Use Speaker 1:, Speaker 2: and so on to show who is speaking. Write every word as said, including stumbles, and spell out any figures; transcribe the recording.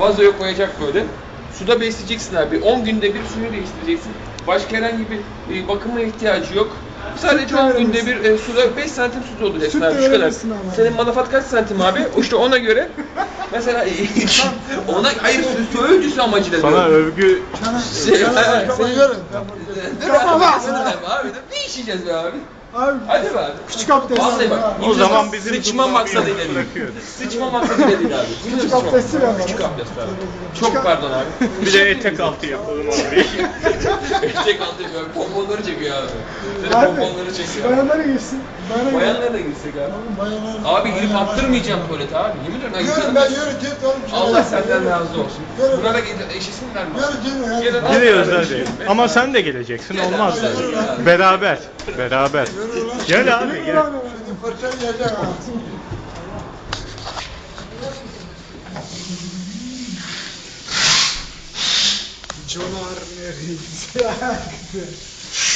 Speaker 1: vazoya koyacak böyle. Suda besleyeceksin abi. on günde bir suyu değiştireceksin. Başka herhangi bir e, bakıma ihtiyacı yok. Sadece on günde bir e, suda beş santim su dolduracaksın
Speaker 2: Süt de
Speaker 1: abi şu kadar.
Speaker 2: verebilirsin ama.
Speaker 1: Senin manafat kaç santim abi? O işte ona göre mesela ona hayır su, su ölçüsü amacıyla
Speaker 3: Sana
Speaker 1: diyorum.
Speaker 3: övgü
Speaker 2: Sana,
Speaker 1: Şey,
Speaker 2: sana
Speaker 1: he,
Speaker 2: ayakkabıyı verin.
Speaker 1: Dur abi, abi, ne içeceğiz be abi?
Speaker 2: Abi,
Speaker 1: Hadi be abi.
Speaker 2: küçük abdest.
Speaker 1: Vallahi bak.
Speaker 2: abi.
Speaker 3: O zaman bizim
Speaker 1: sıçma
Speaker 3: Tufan
Speaker 1: maksadıyla
Speaker 3: bir
Speaker 1: değil.
Speaker 3: bırakıyoruz.
Speaker 1: Sıçma maksadıyla değil abi.
Speaker 2: Küçük abdesti ver bana.
Speaker 1: Küçük abdest abi. Çok pardon abi.
Speaker 3: Bir de etek altı yapalım abi.
Speaker 1: Etek altı yapıyor. Pomponları çekiyor abi. Senin
Speaker 2: Abi,
Speaker 1: pomponları çekiyor.
Speaker 2: bayanlara girsin. Bayanlara
Speaker 1: Bayanlara da girsek abi.
Speaker 2: Bayanlar.
Speaker 1: Abi girip attırmayacağım tuvalete abi. Yemin ederim ben
Speaker 4: Yürü
Speaker 1: gidiyorum.
Speaker 4: ben yürü git oğlum.
Speaker 1: Allah senden razı olsun.
Speaker 4: Yürü.
Speaker 1: Buna da gel- eşisinler mi?
Speaker 4: Yürü yürü.
Speaker 1: Gelin abi.
Speaker 3: Gidiyoruz hadi. Ama sen de geleceksin, olmaz mı? Beraber, beraber. Gel abi, gel.
Speaker 4: Şimdi fırça yiyecek ha.
Speaker 2: Conar nereyiz?